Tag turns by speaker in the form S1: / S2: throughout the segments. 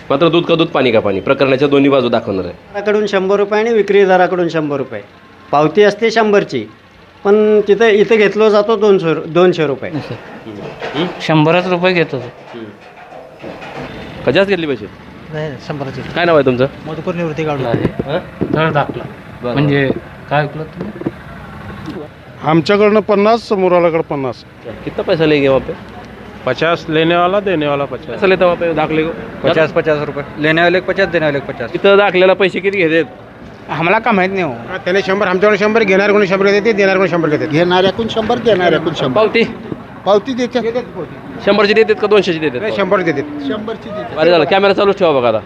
S1: मात्र दूध का दूध पाणी का पाणी प्रकरणाच्या दोन्ही बाजू दाखवणार आहे.
S2: कडून 100 रुपये आणि विक्रीदाराकडून 100 रुपये. पावती असते 100ची, पण इथं घेतलं जातो 200 रुपये.
S3: 100च रुपये घेतो.
S1: कशाच घेतली पैसे?
S2: 100ची.
S1: काय नाव आहे तुमचं?
S2: मधुकर निवृत्ती काढून
S3: धड दाखला म्हणजे काय ऐकलं तुम्ही?
S4: आमच्याकडनं 50, समोरवाल्याकडे 50.
S1: कितना पैसा लेंगे वहाँ पे?
S4: 50 लेने वाला देने वाला 50.
S1: पैसा लेता वहाँ पे दाखले को
S2: 50 रुपये. लेने वाले 50, देने वाले 50.
S1: तिथं दाखल्याला पैसे किती घेतात?
S2: आम्हाला का माहीत नाही हो.
S4: त्याने 100, आमच्याकडे 100, घेणार कोणी 100 घेते, देणार कोणी 100 घेते.
S5: घेणाऱ्याकडून 100, देणाऱ्याकडून 100.
S1: पावती
S5: पावती देतात.
S1: 100ची देतात का 200ची देतात?
S4: 100 देते.
S5: 100ची देतात.
S1: अरे झालं, कॅमेरा चालूच ठेवा बघा आता.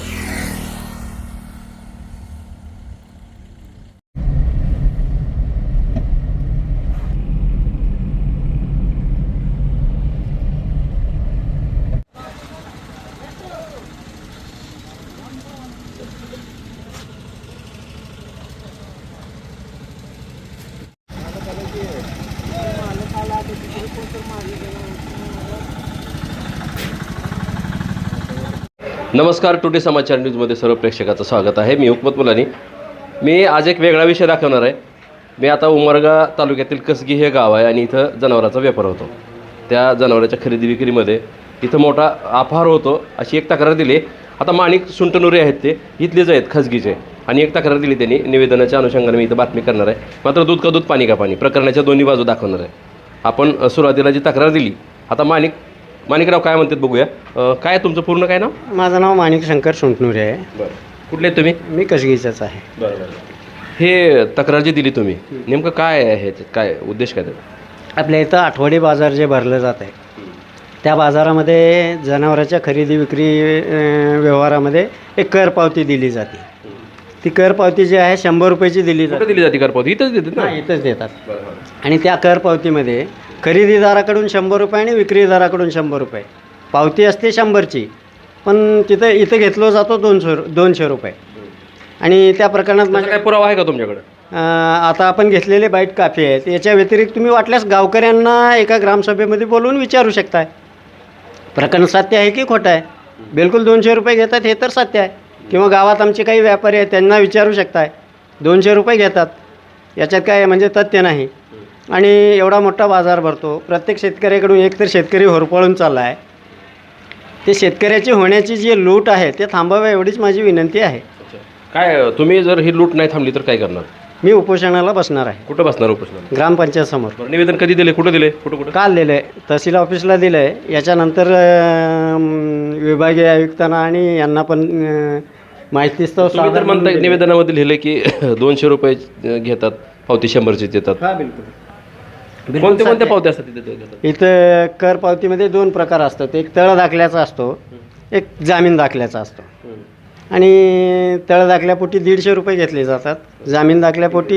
S1: नमस्कार, टुडे समाचार न्यूजमध्ये सर्व प्रेक्षकाचं स्वागत आहे. मी हुकमत मुलानी. मी आज एक वेगळा विषय दाखवणार आहे. मी आता उमरगा तालुक्यातील कसगी हे गाव आहे आणि इथं जनावरांचा व्यापार होतो. त्या जनावरांच्या खरेदी विक्रीमध्ये इथं मोठा अपहार होतो अशी एक तक्रार दिली. आता माणिक सुंटनुरे आहेत, ते इथलेच आहेत, खसगीचे, आणि एक तक्रार दिली त्यांनी. निवेदनाच्या अनुषंगाने मी इथं बातमी करणार आहे. मात्र दूध का दूध पाणी का पाणी प्रकरणाच्या दोन्ही बाजू दाखवणार आहे. आपण सुरुवातीला जी तक्रार दिली, आता माणिकराव काय म्हणतात बघूया. काय तुमचं पूर्ण काय नाव?
S2: माझं नाव माणिक शंकर सुंटनुरे आहे.
S1: बरं, कुठले आहेत तुम्ही?
S2: मी कसगीचाच आहे.
S1: बरं. हे तक्रार जी दिली तुम्ही, नेमकं काय आहे, काय उद्देश काय त्याचा?
S2: आपल्या इथं आठवडी बाजार जे भरलं जात आहे, त्या बाजारामध्ये जनावरांच्या खरेदी विक्री व्यवहारामध्ये एक कर पावती दिली जाते. ती कर पावती जी आहे 100 रुपयाची दिली
S1: कुठं
S2: जाते.
S1: दिली जाते करपावती? इथंच देतात ना?
S2: इथंच देतात. आणि त्या कर पावतीमध्ये खरेदीदाराकडून 100 रुपये आणि विक्रीदाराकडून 100 रुपये. पावती असते 100ची, पण इथं घेतलं जातो 200 रुपये. आणि त्या प्रकरणात
S1: माझा काय पुरावा आहे का तुमच्याकडे?
S2: आता आपण घेतलेले बाईट काफी आहेत. याच्या व्यतिरिक्त तुम्ही वाटल्यास गावकऱ्यांना एका ग्रामसभेमध्ये बोलवून विचारू शकताय, प्रकरण सत्य आहे की खोटं आहे. बिलकुल 200 रुपये घेतात हे तर सत्य आहे. किंवा गावात आमचे काही व्यापारी आहेत, त्यांना विचारू शकताय. 200 रुपये घेतात, याच्यात काय म्हणजे तथ्य नाही. आणि एवढा मोठा बाजार भरतो. प्रत्येक शेतकऱ्याकडून एकतर शेतकरी होरपळून चालला आहे. ते शेतकऱ्याची होण्याची जी लूट आहे ते थांबावे एवढीच माझी विनंती आहे.
S1: काय तुम्ही जर ही लूट नाही थांबली तर काय करणार?
S2: मी उपोषणाला बसणार आहे.
S1: कुठं बसणार उपोषणाला?
S2: ग्रामपंचायत समोर.
S1: निवेदन कधी दिले, कुठं दिले, कुठं?
S2: काल दिलं आहे, तहसील ऑफिसला दिलं आहे. याच्यानंतर विभागीय आयुक्तांना आणि यांना पण माहिती
S1: तर म्हणता निवेदनामध्ये लिहिले की 200 रुपये घेतात, पावती 100ची देतात.
S2: हां, बिलकुल.
S1: कोणत्या पावत्या असतात तिथे?
S2: इथं कर पावतीमध्ये 2 प्रकार असतात. एक तळ दाखल्याचा असतो, एक जामीन दाखल्याचा असतो. आणि तळ दाखल्यापोटी 150 रुपये घेतले जातात. जामीन दाखल्यापोटी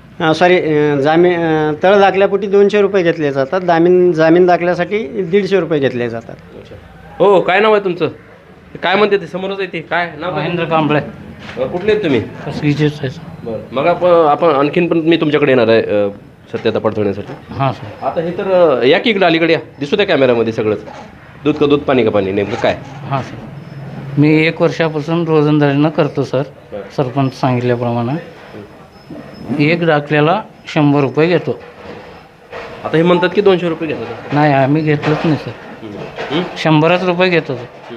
S2: तळ दाखल्यापोटी 200 रुपये घेतले जातात. जामीन दाखल्यासाठी 150 रुपये घेतले जातात.
S1: हो, काय नाव आहे तुमचं? काय म्हणते ते समोरच आहे ते काय नाव?
S3: महेंद्र कांबळे.
S1: कुठले आहेत तुम्ही?
S3: कसगीचेच आहे.
S1: बरं, मग आपण आणखीन पण मी तुमच्याकडे येणार आहे सत्यता पडताळण्यासाठी.
S3: हां सर.
S1: आता हे तर या की इकडं अलीकडे या, दिसू द्या कॅमेरामध्ये सगळंच. दूध का दूध पाणी का पाणी नेमकं काय?
S3: हां सर, मी 1 वर्षापासून रोजंदारीनं करतो सर. सरपंच सांगितल्याप्रमाणे 1 दाखल्याला 100 रुपये घेतो.
S1: आता हे म्हणतात की 200 रुपये घेतात.
S3: नाही, आम्ही घेतलंच नाही सर. 100च रुपये घेतो सर.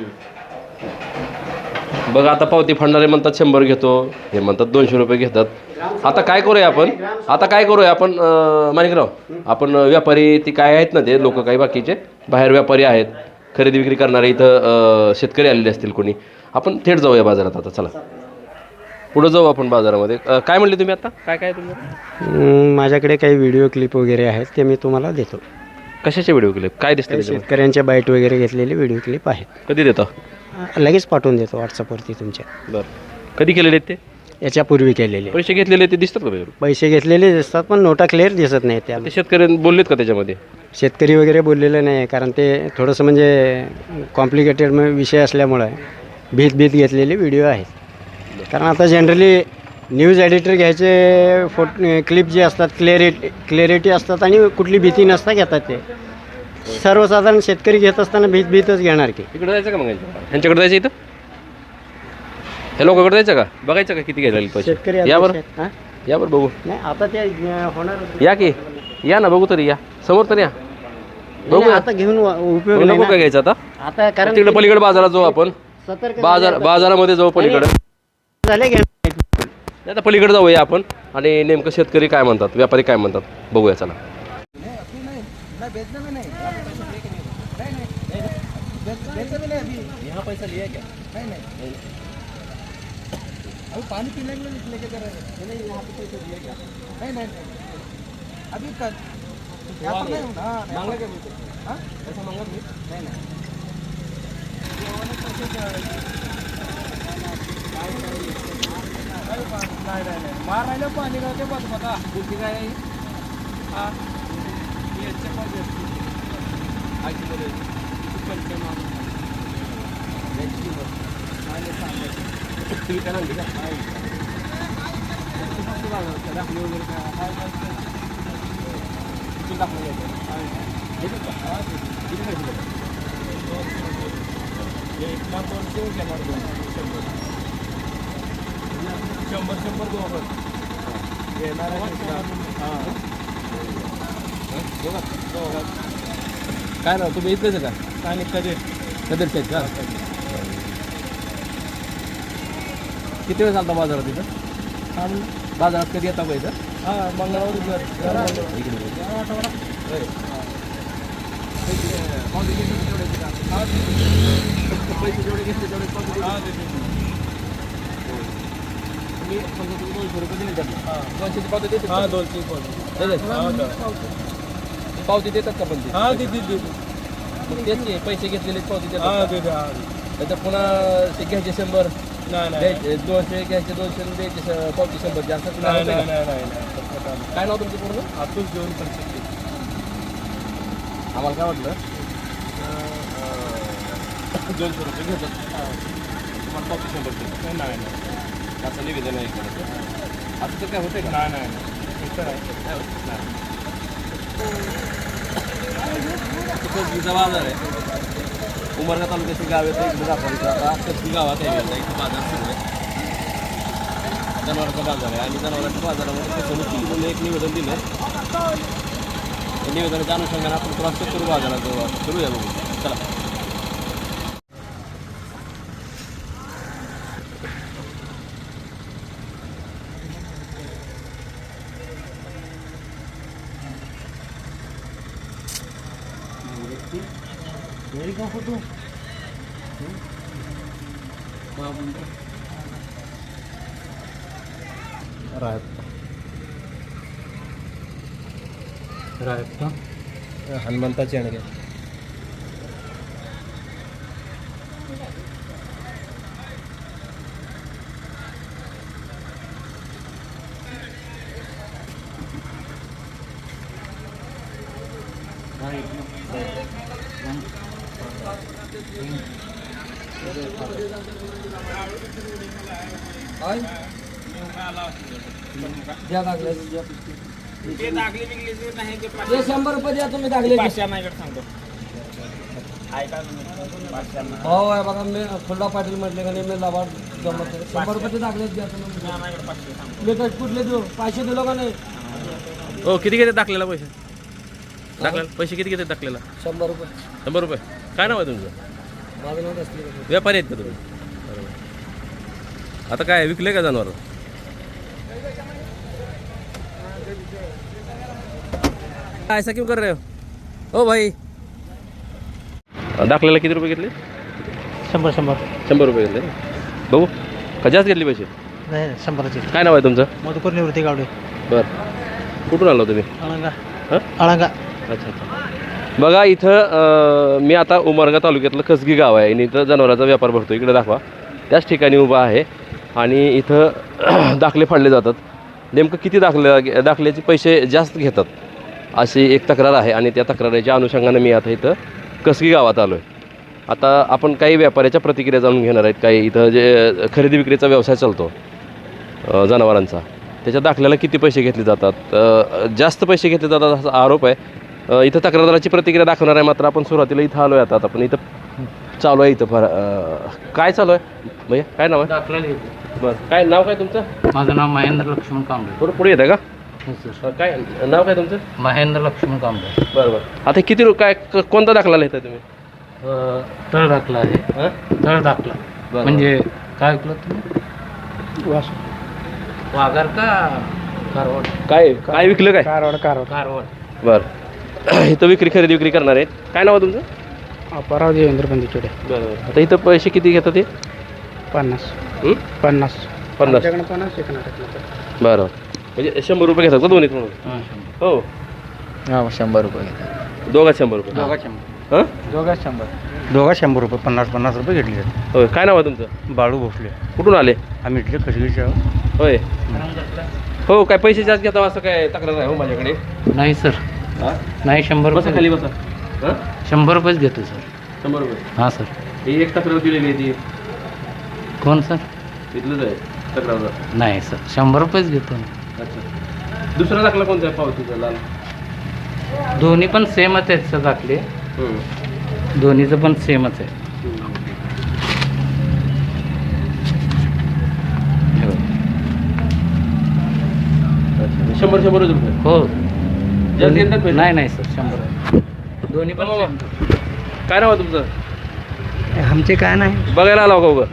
S1: बघा, आता पावती फाडणारे म्हणतात 100 घेतो, हे म्हणतात 200 रुपये घेतात. आता काय करूया आपण माणिकराव, आपण व्यापारी ती काय आहेत ना, ते लोक काही बाकीचे बाहेर व्यापारी आहेत, खरेदी विक्री करणारे, इथं शेतकरी आलेले असतील कोणी. आपण थेट जाऊया बाजारात. आता चला पुढं जाऊ आपण बाजारामध्ये. काय म्हणले तुम्ही आता? काय तुम्ही?
S2: माझ्याकडे काही व्हिडिओ क्लिप वगैरे आहेत, ते मी तुम्हाला देतो.
S1: कशाचे व्हिडिओ क्लिप? काय दिसतं?
S2: शेतकऱ्यांच्या बाईट वगैरे घेतलेले व्हिडिओ क्लिप आहेत.
S1: कधी देता?
S2: लगेच पाठवून देतो व्हॉट्सअपवरती तुमच्या.
S1: बरं, कधी केलेले आहेत ते?
S2: याच्यापूर्वी केलेले.
S1: पैसे घेतलेले ते दिसतात का?
S2: पैसे घेतलेले दिसतात, पण नोटा क्लिअर दिसत नाही. त्या
S1: ते शेतकऱ्यांनी बोललेत का त्याच्यामध्ये?
S2: शेतकरी वगैरे बोललेलं नाही, कारण ते थोडंसं म्हणजे कॉम्प्लिकेटेड विषय असल्यामुळं भीत घेतलेले व्हिडिओ आहेत. कारण आता जनरली न्यूज एडिटर घ्यायचे क्लिप जे असतात क्लॅरिटी असतात आणि कुठली भीती नसता घेतात. ते सर्वसाधारण शेतकरी घेत असताना भीतच घेणार की.
S1: इकडे जायचं का मग? यांच्याकडे जायचं इथं? हे लोकांकडे जायचं का बघायचं का किती घ्यायला पैसे
S2: शेतकरी
S1: या बरं
S2: अपेक्षा आहेत. हां?
S1: या बरं बघू
S2: नाही आता ते होणार
S1: या की या ना बघू तरी या समोर तर या बघू
S2: नाही, आता घेऊन उपयोग नाही
S1: नको काय
S2: ना.
S1: घ्यायचं आता
S2: आता कारण
S1: तिकडे पलीकडे बाजारात जाऊ आपण
S2: सतर्क
S1: बाजारामध्ये जाऊ पलीकडे
S2: झाले घ्या
S1: नाही आता पलीकडे जाऊया आपण आणि नेमकं शेतकरी काय म्हणतात व्यापारी काय म्हणतात बघूया चला काय ना तुम्ही इथलेच का आणि कदरचे आहेत का किती वेळ चालता बाजारात इथं बाजारात कधी येता का इथं पैसे जेवढे घेतले तेवढे पावती देतात का पण तेच पैसे घेतलेले पावती देतात तर पुन्हा ते घ्यायचे 100 200 घ्यायचे 200 द्यायचे पावती 100 जास्त काय नाव तुमचं पूर्ण
S4: अतुल जेवण पण
S1: आम्हाला काय वाटलं
S4: 200 रुपये घेतात
S1: तुम्हाला पावती 100
S4: नाही
S1: असं निवेदन आहे इकडे असं तर काय होतंय का कसबीचा बाजार आहे उमरगा तालुक्यातील गाव आहे इकडे दाखवायचं आता कसबी गावात आहे आता इथं बाजार सुरू आहे जनावरांचा बाजार आहे आणि जनावरांच्या बाजारामध्ये फसवणूक म्हणून एक निवेदन दिलं निवेदनाच्या अनुषंगाने आपण क्रॉस चेक करू बाजारात करूया बघू चला
S4: हनुमंताची आणि
S1: ते 100 रुपये द्या तुम्ही दाखले हो आहे बघा मी फुल्ला पाटील म्हटले का नाही मी लाभार जमत 100 रुपये दाखले द्या तुम्ही मी कुठले देऊ 500 दिलो का नाही हो किती घेते दाखलेला पैसे दाखला पैसे किती घेते दाखलेला 100 रुपये 100 रुपये काय नाव आहे तुमचं माझं नाव असले व्यापारी आहेत का तुम्ही बरोबर आता काय विकले का जनावर ऐसा क्यों कर रहे हो ओ भाई दाखल्याला किती रुपये घेतले 100 रुपये घेतले बघू का जास्त घेतले पैसे
S2: नाही 100चे
S1: काय नाव आहे तुमचं
S2: मधुकर निवृत्ती गावडे
S1: बरं कुठून आलो तुम्ही
S2: अळंगा
S1: हां
S2: अळंगा
S1: अच्छा अच्छा बघा इथं मी आता उमरगा तालुक्यातलं कसगी गाव आहे आणि इथं जनावरांचा व्यापार भरतो इकडे दाखवा त्याच ठिकाणी उभा आहे आणि इथं दाखले फाडले जातात नेमकं किती दाखल्याचे पैसे जास्त घेतात अशी एक तक्रार आहे आणि त्या तक्रारीच्या अनुषंगाने मी आता इथं कसगी गावात आलो आहे आता आपण काही व्यापाऱ्याच्या प्रतिक्रिया जाणून घेणार आहेत काही इथं जे खरेदी विक्रीचा व्यवसाय चालतो जनावरांचा त्याच्या दाखल्याला किती पैसे घेतले जातात जास्त पैसे घेतले जातात असा आरोप आहे इथं तक्रारदाराची प्रतिक्रिया दाखवणार आहे मात्र आपण सुरुवातीला इथं आलो आहे आता आपण इथं चालू आहे इथं फार काय चालू आहे भैया काय नाव आहे
S3: दाखला लिहितो.
S1: बरं काय नाव काय तुमचं
S3: माझं नाव महेंद्र लक्ष्मण कांबळे.
S1: थोडं पुढे येतं का
S3: हो सर.
S1: काय नाव काय तुमचं
S3: महेंद्र लक्ष्मण कांबळे.
S1: बरं बरं आता किती काय कोणता दाखला लिहिता तुम्ही
S3: तळ दाखला आहे.
S1: हां
S3: तळ दाखला
S1: बरं.
S3: म्हणजे काय ऐकलं तुम्ही वाघार का कारवाड.
S1: काय विकलं काय
S3: कारवाड.
S1: बरं इथं खरेदी विक्री करणार आहेत काय नाव आहे तुमचं
S4: अपराव देवेंद्र बंदीचोडे
S1: बरं आता इथं पैसे किती घेतात ते
S4: 50
S1: हं?
S4: 50
S1: 50 बरं म्हणजे 100 रुपये घेतात का दोन्ही म्हणून
S3: हां.
S1: हो
S2: हां 100 रुपये
S1: दोघात 100 रुपये हां
S2: दोघा 100 रुपये 50 रुपये घेतले
S1: होय काय नाव आहे तुमचं
S2: बाळू भोसले
S1: कुठून आले
S2: आम्ही इथले खसगीच्या
S1: होय हो काय पैसे जास्त घेता असं काय तक्रार आहे हो माझ्याकडे
S3: नाही सर
S1: हां
S3: नाही 100
S1: बसा
S3: रुपये.
S1: खाली बसा हां
S3: 100 रुपयेच घेतो सर.
S1: 100 रुपये
S3: हां सर.
S1: ही एक तक्रार दिलेली आहे ती
S3: कोण सर.
S1: तिथलंच आहे तक्रार
S3: नाही सर 100 रुपयेच घेतो.
S1: अच्छा दुसरा दाखला कोणता आहे पावतीचा लाल
S3: दोन्ही पण सेमच आहेत सर दाखले. दोन्हीचं पण सेमच आहे.
S1: अच्छा 100 रुपये
S3: हो
S1: जास्त घेतात पैसे?
S3: नाही नाही सर 100. दोन्ही पण same.
S1: काय नाव आहे तुमचं
S2: आमचे काय नाही
S1: बघायला आला का उगं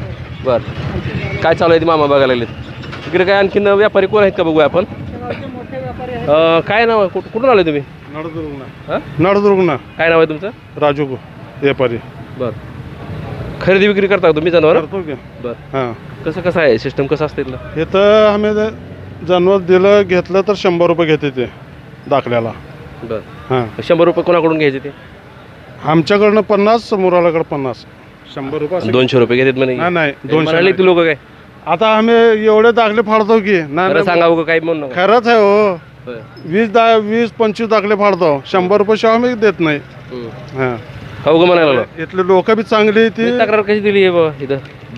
S1: बरं काय चालू आहे ती मामा बघायला लागलेत इकडे काय आणखीन व्यापारी कोण आहेत का बघूया आपण काय नाव आहे कुठून आले तुम्ही हां
S4: नळदुर्गना
S1: काय नाव आहे तुमचं
S4: राजू व्यापारी
S1: बरं खरेदी विक्री करता का तुम्ही जनावर
S4: करतो की
S1: बरं
S4: हां
S1: कसं आहे सिस्टम कसं असते इथलं
S4: हे तर आम्ही जनावर दिलं घेतलं तर 100 रुपये घेते ते दाखल्याला
S1: बरं
S4: हां
S1: 100 रुपये कोणाकडून घ्यायचे ते
S4: आमच्याकडनं 50 समोराकडे 50 100 रुपये असं.
S1: 200 रुपये घेतात म्हणे
S4: नाही नाही
S1: 200
S4: 200
S1: ती लोक काय
S4: आता आम्ही एवढे दाखले फाडतो की नाही
S1: खरं सांगा उगं काय म्हणून नका.
S4: खरंच आहे हो
S1: होय.
S4: 20-25 दाखले फाडतो 100 रुपये शिवाय आम्ही देत नाही
S1: हम्म.
S4: हां
S1: का उगं म्हणायला लागलो
S4: इथले लोक बी चांगली ती
S1: मी तक्रार कशी दिली आहे बाबा इथं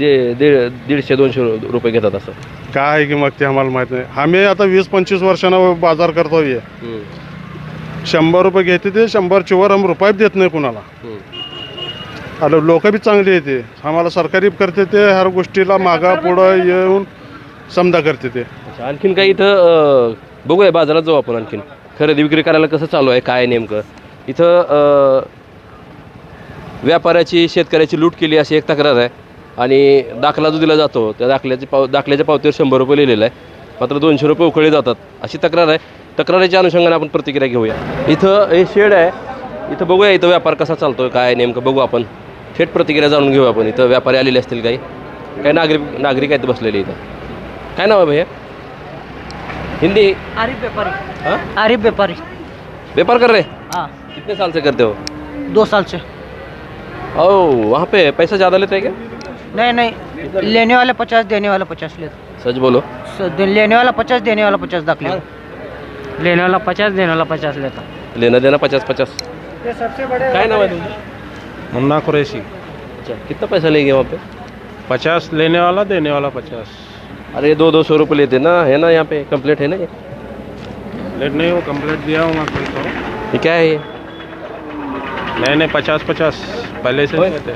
S1: 150-200 रुपये घेतात असं
S4: काय आहे की मग ते आम्हाला माहित नाही आम्ही आता 20-25 वर्षानं बाजार करतो हे
S1: हम्म.
S4: 100 रुपये घेते ते 100ची वर आम्ही रुपये देत नाही कुणाला
S1: हम्म.
S4: आता लोक बी चांगली येते आम्हाला सरकारी करते ते हर गोष्टीला मागा पुढं येऊन समजा करते ते
S1: अच्छा आणखीन काही इथं बघूया बाजारात जाऊ आपण आणखीन खरेदी विक्री करायला कसं चालू आहे काय नेमकं इथं व्यापाऱ्याची शेतकऱ्याची लूट केली अशी एक तक्रार आहे आणि दाखला जो दिला जातो त्या दाखल्याच्या पावतीवर 100 रुपये लिहिलेलं आहे मात्र 200 रुपये उकळले जातात अशी तक्रार आहे तक्रारीच्या अनुषंगाने आपण प्रतिक्रिया घेऊया इथं हे शेड आहे इथं बघूया इथं व्यापार कसा चालतोय काय नेमकं बघू आपण थेट प्रतिक्रिया जाणून घेऊ आपण इथं व्यापारी आलेले असतील काही नागरिक आहेत बसलेले इथं काय नाव आहे भैया हिंदी
S6: आरिफ व्यापारी.
S1: हाँ
S6: आरिफ व्यापारी.
S1: व्यापार कर रहे
S6: हाँ
S1: कितने साल से करते हो
S6: 2 साल से.
S1: ओ वहाँ पे पैसा ज़्यादा लेते हैं क्या
S6: नहीं नहीं लेने वाला 50 देने वाला 50 लेता.
S1: सच बोलो
S6: लेने वाला 50 देने वाला 50 दाखले. लेने वाला 50 देने वाला 50 लेता.
S1: लेना देना 50-50 काय नाम है तुमचं
S4: मुन्ना कुरैशी
S1: अच्छा कितना पैसा लेंगे वहाँ पे
S4: 50 लेने वाला देने वाला 50
S1: अरे 200 रुपये लेते ना है ना यहाँ पे कंप्लीट है ना ये
S4: लेट नहीं हो कंप्लीट दिया हूँ मैं
S1: ये क्या है ये
S4: नहीं 50 पहले से
S1: होय.
S4: लेते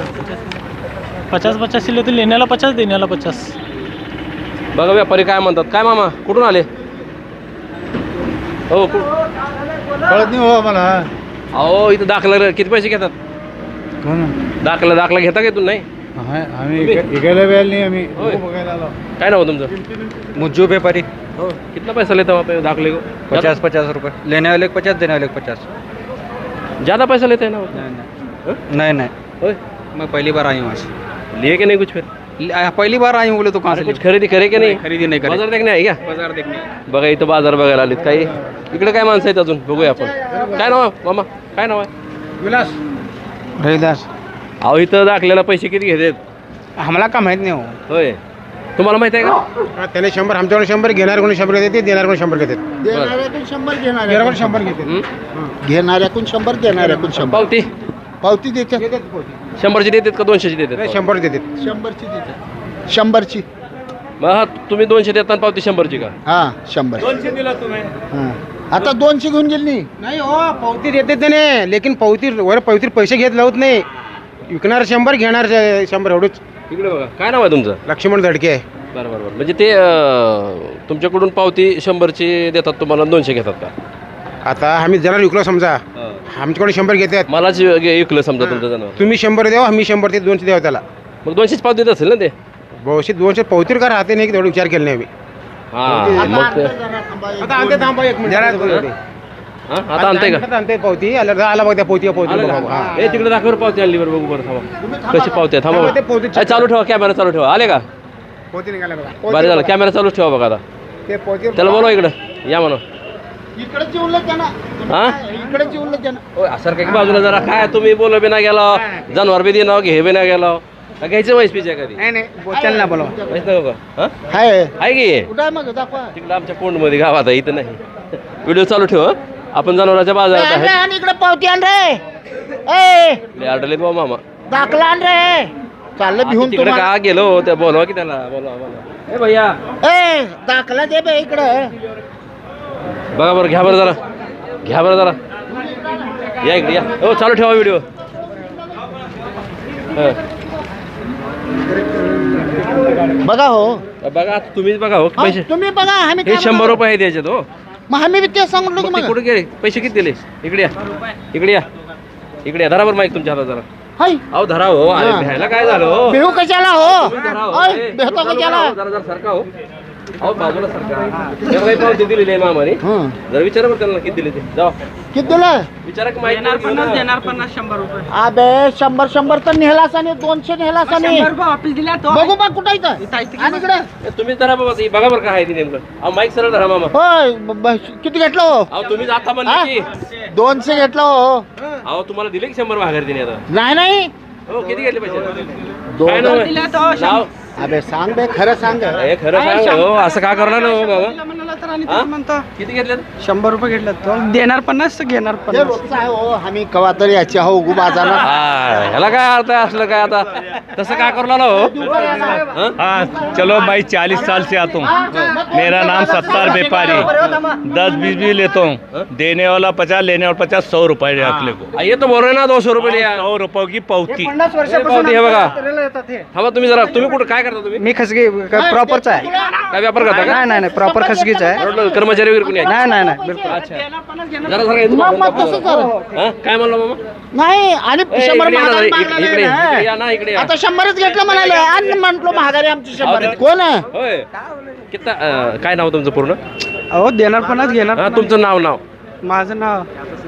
S7: 50 किलो तर लेण्याला 50 देण्याला 50.
S1: बघा व्यापारी काय म्हणतात काय मामा कुठून आले हो
S5: कळत नाही हो आम्हाला
S1: अहो इथं दाखला किती पैसे घेतात दाखला घेता का तू नाही
S5: आम्ही इकायला वेळ नाही आम्ही
S1: होय.
S5: बघायला आलो.
S1: काय नाव आहे तुमचं
S2: मुज्जू व्यापारी
S1: हो कितना पैसा लेता वहाँ पे दाखले को
S2: 50 रुपये लेने वाले 50 देने वाले 50.
S1: ज़्यादा पैसा लेते हैं ना वो?
S2: नहीं नहीं
S1: होय
S2: मैं पहली बार आई हूँ आज
S1: लिए कि नहीं कुछ फिर
S2: पहली बार आई हूँ बोले तो कहाँ
S1: अरे
S2: से
S1: कुछ खरेदी करे की नाही
S2: खरेदी नाही करे.
S1: बाजार देखणे आहे का
S2: बाजार देखने
S1: बघा इथं बाजार बघायला आलीत काही इकडे काय माणसं आहेत अजून बघूया आपण काय नाव आहे मामा काय नाव आहे
S4: विलास
S2: रविदास
S1: अहो इथं दाखल्याला पैसे किती घेतात
S2: आम्हाला का माहित नाही हो.
S1: होय तुम्हाला माहित आहे का
S4: त्याने 100 आमच्याकडे 100 घेणार कोणी 100 घेते देणार कोणी 100 घेते
S5: देणाऱ्याकडून 100
S4: घेणार
S5: घेणाऱ्या
S4: कोणी 100 घेते
S1: हं?
S5: घेणाऱ्याकडून 100 देणाऱ्याकडून 100
S1: पावती
S5: पावती देतात
S1: 100ची देतात का 200ची देतात
S4: 100 देते
S5: 100ची देतात 100ची
S1: मग हा तुम्ही 200 देता आणि पावती 100ची का
S5: हा 100 200 दिला तुम्ही आता 200 घेऊन गेली
S4: नाही हो पावती देते त्याने लेकिन पावती पैसे घेत लावत नाही
S5: विकणार 100 घेणार 100 एवढंच.
S1: इकडे बघा, काय नाव आहे तुमचं?
S5: लक्ष्मण धडके आहे.
S1: बरं बरं बरं. म्हणजे ते तुमच्याकडून पावती 100ची देतात तुम्हाला, 200 घेतात का?
S5: आता आम्ही जरा विकलो समजा, आमच्याकडे 100 घेतात.
S1: मलाच विकलं समजा तुमचं जनावर,
S5: तुम्ही 100 द्यावं, आम्ही 100 ते 200 द्यावं त्याला.
S1: मग 200च पावती देत असेल ना ते?
S5: बहुशे 200 पावतीर का राहते नाही, तेवढा विचार केला नाही आम्ही.
S1: हां मग ते
S5: आता आणते थांबा एक मिनिट.
S1: हां आता आणताय का?
S5: आणते पावती आला बघ त्या पावती
S1: आलं
S5: बघा.
S1: का?
S5: हा.
S1: ए तिकडे दाखवर पावती आणली बरं, बघू बरं थांबा. कशी पावती आहे थांबा
S5: थांबा, ते
S1: बरं.
S5: पावती
S1: ए, चालू ठेवा, कॅमेरा चालू ठेवा. आले का?
S5: पावती निघाला बघा.
S1: बरं झालं, कॅमेरा चालूच ठेवा बघा आता.
S5: ते पावती
S1: त्याला बोलवा इकडं, या म्हणा.
S5: इकडे जेवलं त्यांना,
S1: हां
S5: इकडे जेवलं त्यांना.
S1: ओ असं काय की बाजूला जरा, काय तुम्ही बोल बी नाही गेला, जनावर बी देणार घे बी नाही गेला. घ्यायचं म्हैस पिच्या कधी
S5: नाही त्यांना बोलवा.
S1: म्हैस नको का? हां
S5: हाय
S1: आहे की
S5: कुठं आहे मग दाखवा.
S1: तिकडं आमच्या कोंडमध्ये गावात आहे, इथं नाही. व्हिडिओ चालू ठेव हं. आपण जनावरांच्या बाजारात आहे.
S5: आणि इकडे पावती आण रे. ए
S1: लय अडलेत बा मामा.
S5: दाखला आण रे. चाललं भिवून
S1: तिकडे का गेलो त्या, बोलवा की त्याला, बोलवा. ए भैया
S5: ए दाखला दे बे इकडे.
S1: बघा बरं, घ्या बरं जरा, घ्या बरं जरा, या इकडे या. हो चालू ठेवा व्हिडिओ.
S5: बघा हो,
S1: बघा आता तुम्हीच बघा हो पैसे.
S5: तुम्ही बघा. आम्ही
S1: हे 100 रुपये आहे द्यायचे हो.
S5: मग आम्ही बी ते सांगितलं की
S1: मग ते
S5: मग.
S1: कुठे गेले पैसे? किती दिले? इकडे या, इकडे या, इकडे या. धरा बरं माईक तुमच्या हातात जरा.
S5: हाय
S1: अहो धरा हो. अरे
S5: हां.
S1: भ्यायला काय झालं हो?
S5: भिवू कशाला हो?
S1: तुम्ही धरा हो.
S5: ओय,
S1: ए,
S5: भेटतो
S1: जरा
S5: कशाला?
S1: जरा सरका हो. अहो बाजूला सरका. हे काही पावती दिलेली आहे मामाने.
S5: हं.
S1: जरा विचारा बरं त्यांना किती दिले ते. जाऊ
S5: किती दिलं?
S1: विचारा की माहिती
S6: देणार 50 100 रुपये.
S5: अबे 100 तर नेहलास आणि 200 नेहलास आणि
S6: 100 रुपये ऑफिस दिल्या तो.
S5: बघू बघ कुठं इथं. आणि इकडे
S1: तुम्हीच धरा बाबा. ते बघा बरं काय आहे ते नेमकं. अहो माईक सरळ धरा मामा.
S5: होय किती घेतलं हो?
S1: अहो तुम्हीच आता म्हणले की.
S5: 200 घेतलं हो.
S1: अहो तुम्हाला दिले की 100 माघारी दिले आता?
S5: नाही नाही.
S1: हो किती घेतले पैसे?
S5: दोन.
S1: काय नाव आहे?
S6: दिल्या तो.
S1: नाव?
S5: अबे सांग बे, खरं सांग.
S1: हे खरं सांग हो, असं का करणार हो बाबा?
S6: म्हणाला तर आणि
S1: हां?
S6: ते म्हणतो
S1: किती घेतले?
S6: 100 रुपये घेतलं तो. देणार 50, घेणार
S5: हे
S6: 50.
S5: रोजचं आहे हो. आम्ही कवा तरी याची हो उगू बाजारला.
S1: ह्याला काय अर्थ आहे असलं काय आता? तसं का करू लागला हो? हं?
S8: हाँ चलो भाई 40 साल से आता हूँ। मेरा नाम सत्तार व्यापारी, 10-20 भी लेता हूँ। देने वाला 50, लेने वाला 50, 100 रुपये अगले को।
S1: ये तो बोल रहे ना 200 रुपये लिया.
S8: 100 रुपये की पावती।
S6: 50
S1: हे पावती हे बघा. थांबा तुम्ही जरा. तुम्ही कुठं काय करता तुम्ही?
S6: मी खसगी प्रॉपरचा आहे.
S1: काय व्यापार करता का?
S6: नाही प्रॉपर खसगीच आहे.
S1: बरोबर, कर्मचारी वगैरे कोणी आहे?
S6: नाही बिलकुल.
S1: अच्छा. जरा जरा येतो.
S5: मग तसंच झालं.
S1: हं? काय म्हणलं मामा?
S5: नाही आणि
S1: ए,
S5: 100
S1: इकडे या ना,
S5: महागारी
S1: इकडे
S5: मागणारे
S1: इकडे या
S5: ना.
S1: ना, इकडे या.
S5: आता 100च घेतलं म्हणाले आणि म्हटलो महागारी आमची 100. कोण आहे?
S1: होय. कितना काय नाव तुमचं पूर्ण?
S6: अहो देणार 50, घेणार
S1: हा तुमचं नाव?
S6: माझं नाव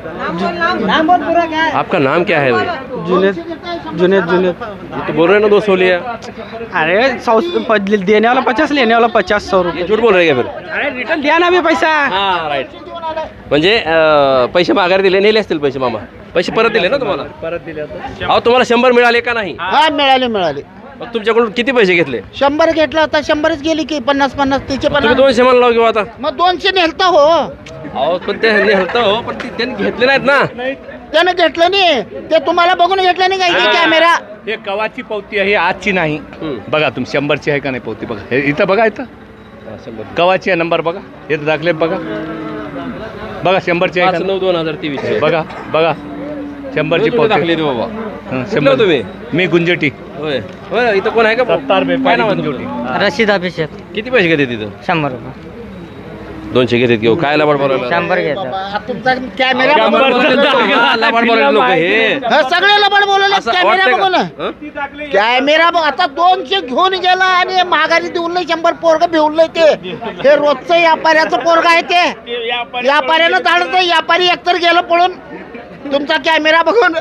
S1: आपका नाम क्या है भाई?
S6: जुनेद.
S1: ये तो बोल रहे हैं ना 200 लिया.
S6: अरे 100 देने वाला 50, लेने वाला 50, 100
S1: ये
S6: रुपये.
S1: झूठ बोल रहे हैं क्या फिर?
S6: अरे रिटर्न द्या ना बी पैसा.
S1: हा राईट. म्हणजे पैसे माघारी दिले, नेले असतील पैसे मामा. पैसे परत दिले ना तुम्हाला?
S8: परत दिले
S1: अहो तुम्हाला 100 मिळाले का नाही?
S5: हा मिळाले.
S1: मग तुमच्याकडून किती पैसे घेतले?
S5: 100 घेतलं आता 100च गेली की 50 तिचे
S1: तुम्ही
S5: 50.
S1: 200 म्हणला किंवा आता?
S5: मग 200 नेलता हो.
S1: अहो पण ते हलतं हो, पण त्यांनी घेतले नाहीत ना.
S5: त्यानं घेतलं नाही. ते तुम्हाला बघून घेतलं नाही काय कॅमेरा.
S8: हे कवाची पावती आहे, आजची नाही.
S1: हम्म.
S8: बघा तुम्ही 100ची आहे का नाही पावती बघा. हे इथं बघा, इथं
S1: हा, 100.
S8: कवाची आहे, नंबर बघा. हे दाखले बघा 100ची आहे का नाही?
S1: 5/9/2023.
S8: बघा 100ची
S1: तुम्ही
S8: पावती.
S1: दाखले ते बाबा.
S8: हं,
S1: कुठले हो तुम्ही?
S8: मी गुंजटी.
S1: होय होय. इथं कोण आहे का?
S8: सत्तार
S1: काय
S8: व्यापारी
S1: नाव आहे
S8: गुंजटी.
S1: तुमचं?
S6: रशीद अभिषेक.
S1: किती पैसे घेते तिथं?
S6: 100 रुपये.
S1: 200 घेतात घेऊ. काय लबाड बोलायला?
S6: 100 घेतात.
S5: बाबा, तुमचा कॅमेरा
S1: लबाड
S5: बघून.
S1: बोलायला लोक हे.
S5: हे सगळे लबाड बोलवले
S1: असं
S5: कॅमेरा
S1: वाटतंय
S5: बघून.
S1: का? हं?
S5: कॅमेरा बघ. आता 200 घेऊन गेला आणि महागारी देऊन 100 पोरग भिवलंय ते. हे रोजचं व्यापाऱ्याचं पोरग आहे ते. व्यापाऱ्यानं धाडत. व्यापारी एकतर गेलं पळून तुमचा कॅमेरा बघून.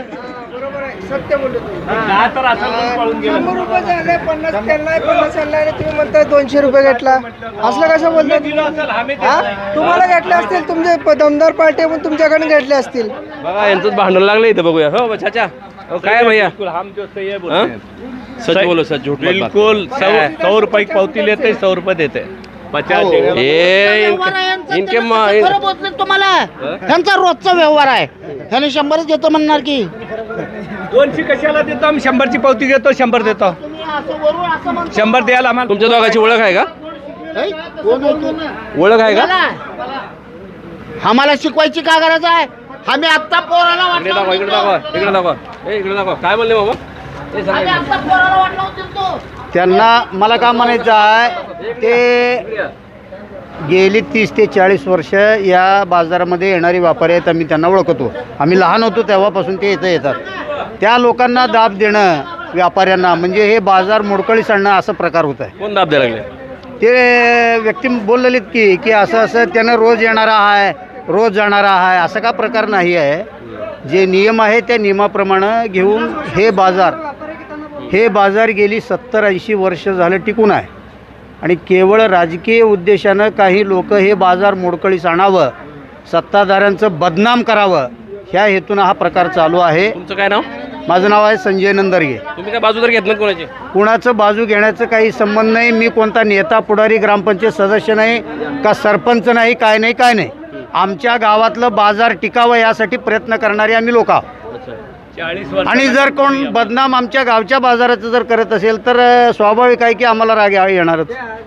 S9: तुम्ही म्हणताय 200 रुपये घेतला, असलं कसं बोलतात? तुम्हाला घेतले असतील, तुमचे दमदार पार्टी पण तुमच्याकडे घेतले असतील.
S1: बघा यांचं भांडण लागलं इथं. बघूया. हो चाचा. हो काय भैया?
S8: हम जो सही है
S1: हाँ?
S8: बोलते हैं।
S1: सच बोलो, सच झूठ मत बात.
S8: बिल्कुल 100 रुपये की पावती लेते, 100 रुपये देते. 50
S1: हो.
S8: देगा.
S1: हे
S5: व्यवहार आहे यांचा.
S1: इनके
S5: त्यांना
S1: मा-
S5: कसं खरं बोलतात तुम्हाला? त्यांचा रोजचा व्यवहार आहे. ह्याने 100च घेतो म्हणणार की
S8: 200 कशाला देतो आम्ही? 100ची पावती घेतो, 100 देतो.
S5: तुम्ही असं वरून असं म्हणता.
S8: 100 द्यायला आम्हाला.
S1: तुमच्या दोघांची ओळख आहे का?
S5: हे? कोण आहे ते?
S1: ओळख आहे का?
S5: आम्हाला शिकवायची का गरज आहे? आम्ही आत्ता पोराला
S1: इकडे दाखवा, इकडे दाखवा, इकडे दाखवा. इकडे दाखवा. काय म्हणले बाबा? हे सांगा.
S5: आम्ही आत्ता पोराला वाटलं होतं.
S2: त्यांना मला काय म्हणायचं आहे, ते गेली 30 ते 40 वर्ष या बाजारामध्ये येणारे व्यापारी आहेत. आम्ही त्यांना ओळखतो. आम्ही लहान होतो तेव्हापासून ते इथं येतात. त्या लोकांना दाब देणं व्यापाऱ्यांना म्हणजे हे बाजार मोडकळीस आणणं असं प्रकार होत आहे.
S1: कोण दाब द्यायला लागले?
S2: ते व्यक्ती बोललेलीत की असं असं त्यानं रोज येणारा आहे, रोज जाणारा आहे, असा का प्रकार नाही आहे. जे नियम आहे त्या नियमाप्रमाणे घेऊन हे बाजार गेली 70-80 वर्ष झालं टिकून आहे. आणि केवळ राजकीय उद्देशानं काही लोक हे बाजार मोडकळीस आणावं, सत्ताधाऱ्यांचं बदनाम करावं, ह्या हेतूनं हा प्रकार चालू आहे.
S1: तुमचं काय नाव?
S2: माझं नाव आहे संजय नंदरगे.
S1: तुम्ही काय बाजू तर घेत नाही कोणाची?
S2: कुणाचं बाजू घेण्याचं काही संबंध नाही. मी कोणता नेता पुढारी ग्रामपंचायत सदस्य नाही का सरपंच नाही, काय नाही. आमच्या गावातलं बाजार टिकावं यासाठी प्रयत्न करणारे आम्ही लोक आहोत.
S8: 40 वर्ष
S2: आणि जर कोण बदनाम आमच्या गावच्या बाजाराचं जर करत असेल तर स्वाभाविक आहे की आम्हाला राग येणारच.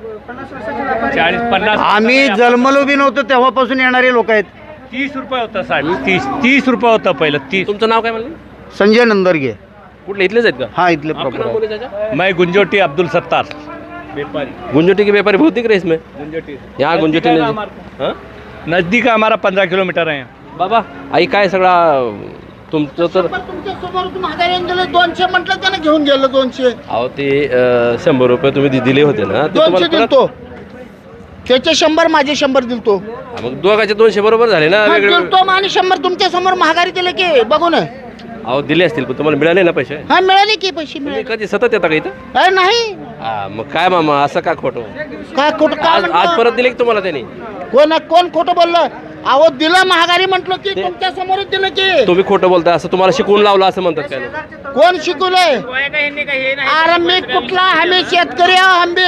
S8: 40-50
S2: आम्ही जन्मलो बी नव्हतो तेव्हापासून येणारे लोक आहेत.
S8: 30 रुपये होता साहेब. 30 रुपये होता पहिलं. 30.
S1: तुमचं नाव काय म्हणले?
S2: संजय नंदरगे.
S1: कुठले इथलेच आहेत का?
S2: हाँ इतले
S1: आपका
S2: प्रॉपर
S1: नाम
S2: आहे.
S1: बोले चाचा?
S8: मैं गुंजोटी अब्दुल सत्तार व्यापारी.
S1: गुंजोटी के व्यापारी बहुत दिख रहे इसमें.
S8: गुंजोटी
S1: यहाँ गुंजोटी
S8: नजदीक है
S1: नहीं.
S8: हमारा.
S1: हाँ?
S8: नजदीक है हमारा, 15 किलोमीटर है.
S1: बाबा आई काय सगळा तुमचं तर
S5: तुमच्या समोर महागारी दिले 200 म्हटलं त्यानं घेऊन गेलं 200.
S1: अहो ते 100 रुपये तुम्ही दिले होते ना ते
S5: 200
S1: तुम्हाला परत-
S5: दिलतो. त्याचे 100 माझे 100 दिलतो.
S1: हा, मग दोघांचे 200 बरोबर झाले ना
S5: मग
S1: वेगळे.
S5: दिलतो आणि 100 तुमच्या समोर महागारी दिले की बघू ना.
S1: अहो दिले असतील पण तुम्हाला मिळाले ना पैसे?
S5: हा मिळाले की पैसे
S1: तुम्ही
S5: मिळाले.
S1: कधी सतत येता का इथं?
S5: अरे नाही
S1: हा मग काय मामा असं का खोटं?
S5: काय खोटं काय
S1: आज आज
S5: म्हणतो?
S1: परत दिले की तुम्हाला त्यांनी?
S5: कोण खोटं बोललं? अहो दिलं महागारी म्हटलं की तुमच्या समोरच दिलं की.
S1: तुम्ही खोटं बोलताय असं तुम्हाला शिकवून लावलं असं म्हणतात काय लोक?
S5: कोण शिकवलंय? अरे मी कुठला आम्ही शेतकरी आहो आंबे.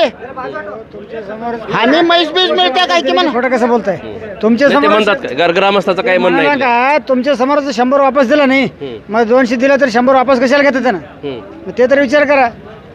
S5: आम्ही म्हैस बीज मिळते काय की म्हणा.
S9: खोटं कसं बोलताय? तुमच्या
S1: नाही, ते
S9: समोर
S1: म्हणतात काय ग्रामस्थाचं काय म्हणणं आहे इथलं?
S9: काय तुमच्या समोर 100 वापस दिला नाही, मग 200 दिला तर 100 वापस कशाला घेतात ना?
S1: हम्म.
S9: मग ते तर विचार करा.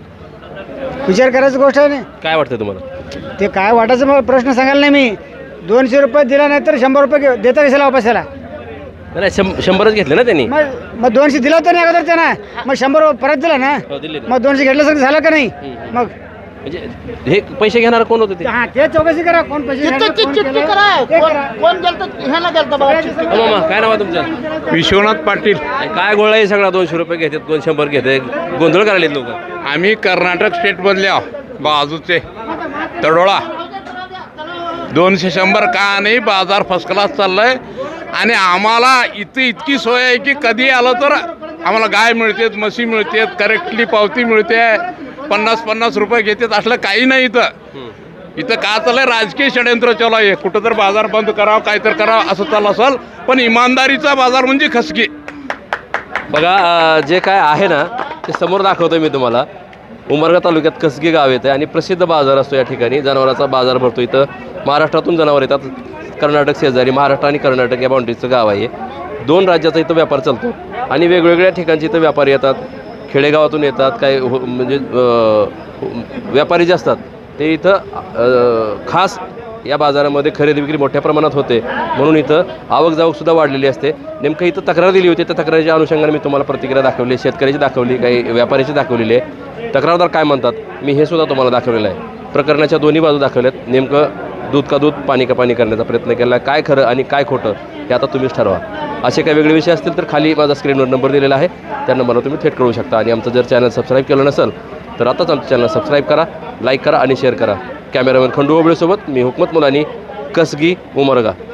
S9: विचार करायची गोष्ट आहे ना.
S1: काय वाटतं तुम्हाला?
S9: ते काय वाटायचं मला प्रश्न सांगायला नाही मी. 200 रुपये दिला नाही तर 100 रुपये देता कशाला वापस त्याला?
S1: नाही 100च घेतले ना त्यांनी.
S9: मग 200 दिला होता नाही अगोदर त्यांना, मग 100 परत दिला ना,
S1: हो, दिले ना.
S9: मग 200 घेतल्यासारखं झालं का नाही? मग
S1: म्हणजे हे पैसे घेणार कोण होते ते?
S9: हा ते चौकशी करा कोण पैसे
S5: चिठ्ठी
S9: घेणार, कोण
S5: चिठ्ठी
S9: केलं,
S5: करा.
S9: ते करा.
S5: कोण गेलं ह्याला गेलं बाबा चिठ्ठी.
S1: हो मामा काय नाव आहे तुमचं?
S8: विश्वनाथ पाटील.
S1: काय गोळा आहे सगळा? 200 रुपये घेतात कोण 100 घेते, गोंधळ करायला लोक.
S8: आम्ही कर्नाटक स्टेटमधले आहो, बाजूचे तडोळा. 200 का नाही, बाजार फर्स्ट क्लास चाललाय. आणि आम्हाला इथे इतकी सोय आहे की कधी आलं तर आम्हाला गाय मिळते, म्हशी मिळते, करेक्टली पावती मिळते. 50-50 रुपये घेतात असलं काही नाही इथं का चाललंय? राजकीय षडयंत्र चालू आहे. कुठं तर बाजार बंद करावं, काय तर करावं असं चालू असेल, पण इमानदारीचा बाजार म्हणजे खसगी.
S1: बघा जे काय आहे ना ते समोर दाखवतो मी तुम्हाला. उमरगा तालुक्यात कसगी गाव येतं आणि प्रसिद्ध बाजार असतो या ठिकाणी. जनावरांचा बाजार भरतो. इथं महाराष्ट्रातून जनावर येतात. कर्नाटक शेजारी महाराष्ट्र आणि कर्नाटक या बाउंड्रीचं गाव आहे. 2 राज्याचा इथं व्यापार चालतो आणि वेगवेगळ्या ठिकाणचे इथं व्यापारी येतात. खेडेगावातून येतात. काय म्हणजे व्यापारी जे असतात ते इथं खास या बाजारामध्ये खरेदी विक्री मोठ्या प्रमाणात होते. म्हणून इथं आवक जावकसुद्धा वाढलेली असते. नेमकं इथं तक्रार दिली होती. त्या तक्रारीच्या अनुषंगाने मी तुम्हाला प्रतिक्रिया दाखवली. शेतकऱ्याची दाखवली, काही व्यापाऱ्याची दाखवली आहे. तक्रारदार काय म्हणतात मी हे सुद्धा तुम्हाला दाखवलेलं आहे. प्रकरणाच्या दोन्ही बाजू दाखवल्यात. नेमकं दूध का दूध पाणी का पाणी करण्याचा प्रयत्न केला. काय खरं आणि काय खोटं हे आता तुम्हीच ठरवा. असे काही वेगळे विषय असतील तर खाली माझा स्क्रीनवर नंबर दिलेला आहे. त्या नंबरला तुम्ही थेट कळू शकता. आणि आमचं जर चॅनल सबस्क्राईब केलं नसेल तर आताच आमचं चॅनल सबस्क्राईब करा, लाईक करा आणि शेअर करा. कॅमेरामॅन खंडू ओबळेसोबत मी हुकमत मुलानी, कसगी, उमरगा.